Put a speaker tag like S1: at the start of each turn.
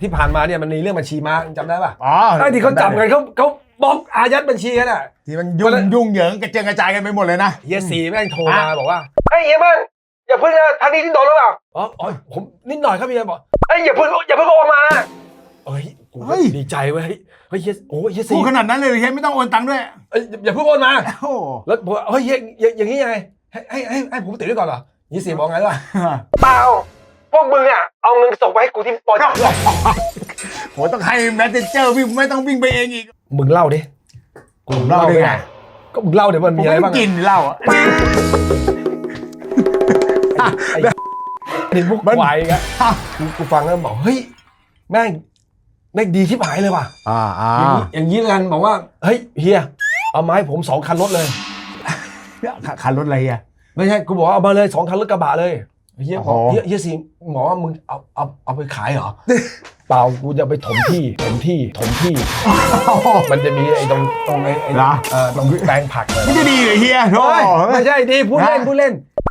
S1: ที่ผ่านมาเนี่ยมันมีเรื่องบัญชีม้าจำได้ป่ะ
S2: อ๋อ
S1: ไอ้ที่เขาจับกันเขาบล็อกอายัดบัญชีกันอ่ะ
S2: ที่มันยุ่งเหยิงกระเจิงกระจายกันไปหมดเลยนะ
S1: เฮียสีแม่งโทรมาบอกว่าไอ้เฮียมันอย่าพึ่งนะทางนี้ที่โดนหรือเปล่าอ๋อผมนิดหน่อยครับเฮียบอกไอ้อย่าพึ่งโอนมาเอ้ยกูดีใจเว้ยเฮ้ยเฮียโอ้เฮียสี
S2: พูดขนาดนั้นเลยเฮียไม่ต้องโอนตังค์ด้วย
S1: อย่าพึ่งโอนมา
S2: โอ้
S1: แล้วบอกเฮ้ยอย่างนี้ยังไงให้ผมติดไว้ก่อนเหรอเฮียสีบอกไงวะเปล่าพวกมึงอ่ะเอาเงินส่งไปให้กูที่ปอจด้วย
S2: โหต้องให้แมสเซนเจอร์วิ่งไม่ต้องวิ่งไปเองอีก
S1: มึงเล่าดิ
S2: ผมเล่าได้ไง
S1: ก็มึงเล่าเดี๋ยวมันมีอะไรบ้าง
S2: กินเหล้าอ่ะ
S1: ไอ้พวกควายไงกูฟังแล้วบอกเฮ้ยแม่งดีชิบหายเลยว่ะอย่างนี้กันบอกว่าเฮ้ยเฮียเอามาให้ผม2 คันรถเลย
S2: คันรถอะไรอ่ะ
S1: ไม่ใช่กูบอกว่าเอามาเลย2 คันรถกระบะเลยเฮียบอกเฮียสิหมอว่ามึงเอาไปขายเหรอ เปล่ากูจะไปถมที่มันจะมีไอ้ตรงตรงแปลงผักเลย
S2: ไม่ได้ดีเลยเฮียโธ่
S1: ไม่ใช่ดีพูดเล่น